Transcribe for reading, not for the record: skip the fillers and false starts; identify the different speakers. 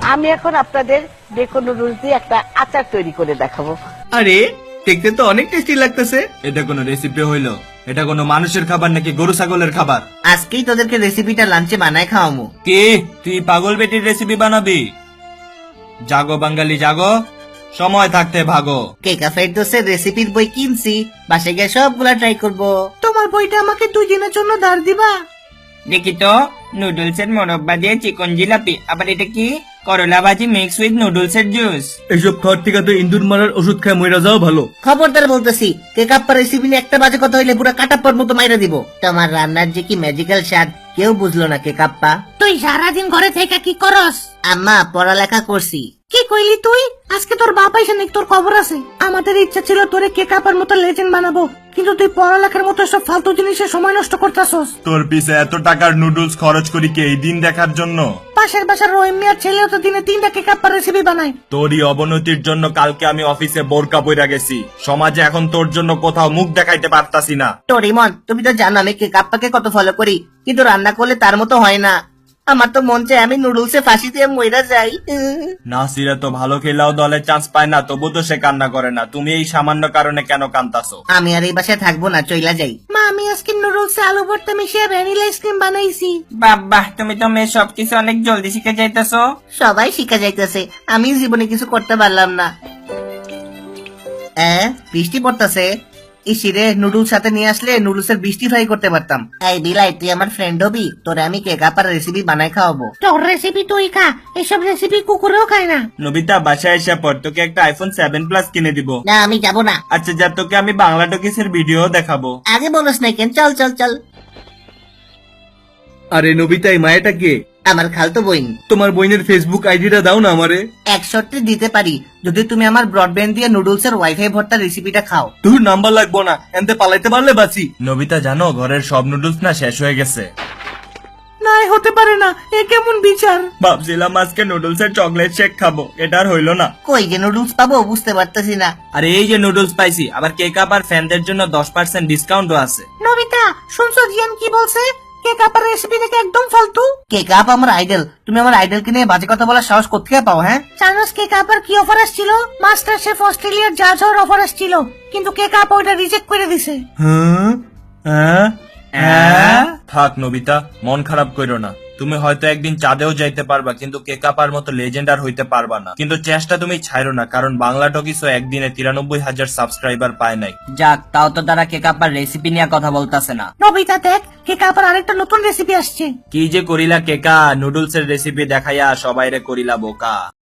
Speaker 1: আমি এখন আপনাদের বেকন নুডলস দিয়ে একটা আচার তৈরি করে দেখাবো।
Speaker 2: আরে দেখতে তো অনেক টেস্টি লাগতেছে। এটা কোনো রেসিপি হইলো? এটা কোনো মানুষের খাবার নাকি গরু ছাগলের খাবার?
Speaker 3: আজকেই তোদেরকে রেসিপিটা লাঞ্চে বানায় খাওয়ামু।
Speaker 2: কি তুই পাগল বেটির রেসিপি বানাবি? জাগো বাঙালি জাগো, সময় থাকতে ভাগো।
Speaker 3: কেকা ফেরদৌসের রেসিপির বই কিনছি, বাসে গিয়ে সবগুলা ট্রাই করব। তোমার বইটা আমাকে 2 দিনের জন্য ধার দিবা?
Speaker 4: দেখি তো, নুডলস এর মোরব্বা দিয়ে চিকন জিলাপি, আবার এটা কি? করলা ভাজি মিক্স উইথ নুডলস এর জুস।
Speaker 2: এসব খাওয়ার থেকে তো ইন্দুর মারার ওষুধ খায় মইরা যাও ভালো।
Speaker 3: খবরদার বলতেছি, কেকাপ্পা রেসিপি নিয়ে একটা বাজে কথা হইলে পুরো কাটাপ্পার মতো মাইরা দিব। তোমার রান্নার যে কি ম্যাজিক্যাল স্বাদ কেউ বুঝলো না কেকাপ্পা। তুই সারাদিন ঘরে থেকে কি করস? আম্মা পড়ালেখা করছি। কি কইলি তুই? আজকে তোর বাপ আইসা নাকি তোর খবর আছে? আমাদের ইচ্ছা ছিল তোরে কেকাপ্পার মতো লেজেন্ড বানাবো, কিন্তু তুই পড়ালেখার মতো সব ফালতু জিনিসে সময় নষ্ট করতেছস।
Speaker 5: তোর পিছে এত টাকার নুডলস খরচ করি কি এই দিন দেখার জন্য?
Speaker 3: পাশের বাসার রহিম মিয়ার ছেলেও তো দিনে 3টা কেকাপ্পার রেসিপি বানায়।
Speaker 5: তোরই অবনতির জন্য কালকে আমি অফিসে বোরকা পইরা গেছি। সমাজে এখন তোর জন্য কোথাও মুখ দেখাইতে পারতাছি না।
Speaker 3: টোরিমন, তুমি তো জানো আমি কেকাপ্পাকে কত ফলো করি, কিন্তু রান্না করলে তার মতো হয় না। আমার তো মন চায় আমি নুডলসে ফাঁসি দিয়ে মইরা যাই।
Speaker 5: নাসিরা তো ভালো খেলাও দলে চান্স পায় না, তবু তো সে কান্না করে না। তুমি এই সামান্য কারণে কেন কান্তাছো?
Speaker 3: আমি আর এই বাসায় থাকবো না, চইলা যাই। মা, আমি আজকে নুডলসে আলু ভর্তা মিশিয়ে ভ্যানিলা আইসক্রিম বানাইছি।
Speaker 4: বাহ, তুমি তো মেয়ে সবকিছু অনেক জলদি শিখে যাইতেছো।
Speaker 3: সবাই শিখা যাইতেছে, আমি জীবনে কিছু করতে পারলাম না। বৃষ্টি পড়তেছে। ইসিরে নুডলস সাথে নিয়ে আসলে নুডলসের বৃষ্টি ফ্রাই করতে পারতাম। এই বিলাই, তুই আমার ফ্রেন্ড হবি, তোরে আমি কেকাপ্পার রেসিপি বানাই খাওয়াবো। তোর রেসিপি তুই খা, এসব রেসিপি কুকুরেও খায় না।
Speaker 5: নবিতা বাসায় এসে পর তোকে একটা আইফোন 7 প্লাস কিনে দিব।
Speaker 3: না, আমি যাবো না।
Speaker 5: আচ্ছা যা, তোকে আমি বাংলা টকিসের ভিডিও দেখাবো।
Speaker 3: আগে বলস না কেন? চল চল চল।
Speaker 2: আরে নবিতা, এই মায়াটা কে?
Speaker 3: আমার খালতো বোন।
Speaker 2: তোমার বোনের ফেসবুক আইডিটা দাও না আমারে।
Speaker 3: 1 শর্তে দিতে পারি, যদি তুমি আমার ব্রডব্যান্ড দিয়ে নুডলসের ওয়াইফাই ভর্তা রেসিপিটা খাও।
Speaker 2: তোর নাম্বার লাগবো না, এনতে পালাইতে পারলে বাঁচি।
Speaker 5: নবিতা জানো ঘরের সব নুডলস না শেষ হয়ে গেছে।
Speaker 3: না, হতে পারে না, এ কেমন বিচার?
Speaker 5: ভাবছিলাম আজকে নুডলসের চকলেট শেক খাবো, এটা আর হইলো না।
Speaker 3: কই যে নুডলস পাবো বুঝতে পারতেছি না।
Speaker 5: আরে এই যে নুডলস পাইছি, আবার কেক আপ আর ফ্যানদের জন্য 10% ডিসকাউন্টও আছে।
Speaker 3: নবিতা, শুনছো জিয়ান কি বলছে? কেক আপের রেসিপি থেকে একদম ফালতু। কেক আপ আমার আইডল, তুমি আমার আইডলকে নিয়ে বাজে কথা বলার সাহস কোত্থেকে পাও? হ্যাঁ, জানোস কেক আপের কি অফার আসছিল? মাস্টার শেফ অস্ট্রেলিয়ার জাজ হওয়ার অফার আসছিল, কিন্তু কেক আপ ওইটা রিজেক্ট করে দিছে।
Speaker 5: থাক নবিতা, মন খারাপ কইরো না। তুমি হয়তো একদিন চাঁদেও যাইতে পারবা, কিন্তু কেকাপার মতো লেজেন্ড আর হইতে পারবা না। কিন্তু চেষ্টা তুমি ছাইরো না, কারণ বাংলা টকিসও একদিনে 93,000 সাবস্ক্রাইবার পায় নাই।
Speaker 4: যাক, তাও তো তারা কেকাপ্পার রেসিপি নিয়ে কথা বলতাছে না।
Speaker 3: নবিতা দেখ, কেক আপের আরেকটা নতুন রেসিপি আসছে।
Speaker 5: কি যে করিলা কেকা, নুডলসের রেসিপি দেখাইয়া সবাইরে করিলা বোকা।